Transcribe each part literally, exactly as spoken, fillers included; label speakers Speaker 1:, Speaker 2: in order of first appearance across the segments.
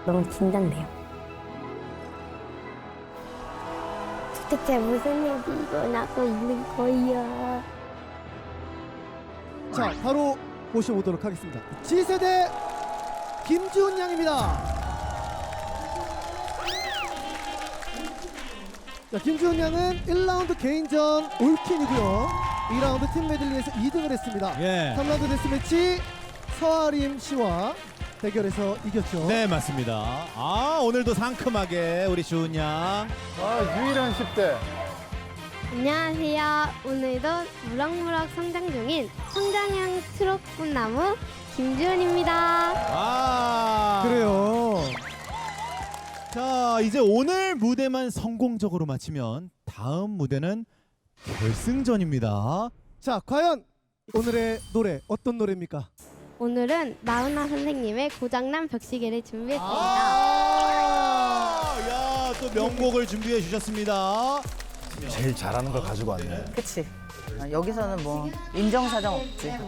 Speaker 1: 너무 긴장돼요. 도대체 무슨 일이 일어나고 있는 거야?
Speaker 2: 자, 바로 모셔보도록 하겠습니다. G세대 김지훈 양입니다. 자, 김지훈 양은 일 라운드 개인전 올킨이고요. 이 라운드 팀 메들리에서 이 등을 했습니다.
Speaker 3: 예.
Speaker 2: 삼 라운드 데스매치 서아림 씨와 대결에서 이겼죠.
Speaker 3: 네, 맞습니다. 아, 오늘도 상큼하게 우리 주은 양.
Speaker 4: 아, 유일한 십 대.
Speaker 1: 안녕하세요. 오늘도 무럭무럭 성장 중인 성장형 트롯 꽃나무 김지훈입니다.
Speaker 3: 아.
Speaker 2: 그래요.
Speaker 3: 자, 이제 오늘 무대만 성공적으로 마치면 다음 무대는 결승전입니다.
Speaker 2: 자, 과연 오늘의 노래 어떤 노래입니까?
Speaker 1: 오늘은 나훈아 선생님의 고장난 벽시계를 준비했습니다.
Speaker 3: 아, 야, 또 명곡을 준비해 주셨습니다.
Speaker 4: 제일 잘하는 걸 가지고 왔네.
Speaker 5: 그치. 아, 여기서는 뭐 인정사정 없지. 음.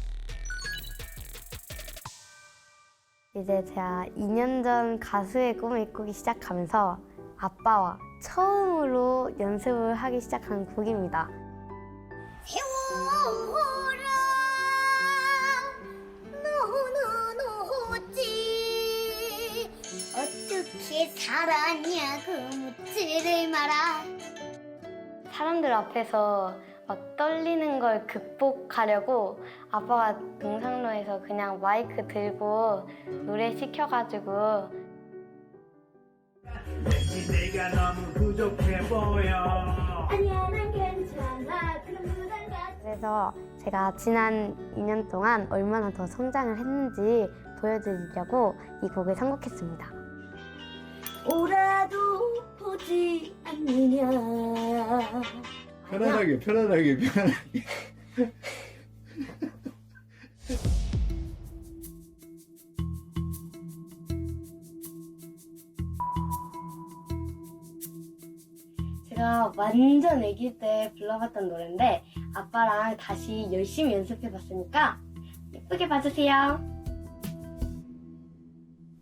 Speaker 1: 이제 제가 이 년 전 가수의 꿈을 꾸기 시작하면서 아빠와 처음으로 연습을 하기 시작한 곡입니다.
Speaker 6: 세월아 너는 어찌 어떻게 살았냐고 묻지를 마라.
Speaker 1: 사람들 앞에서 막 떨리는 걸 극복하려고 아빠가 등산로에서 그냥 마이크 들고 노래 시켜가지고
Speaker 7: 왠지 내가 너무 부족해 보여.
Speaker 6: 아니야 난 괜찮아 그런 부담 갖지.
Speaker 1: 그래서 제가 지난 이 년 동안 얼마나 더 성장을 했는지 보여드리려고 이 곡을 선곡했습니다.
Speaker 6: 오라도 보지 않느냐.
Speaker 4: 편안하게, 편안하게, 편안하게.
Speaker 1: 제가 완전 아기 때 불러봤던 노래인데 아빠랑 다시 열심히 연습해봤으니까 예쁘게 봐주세요.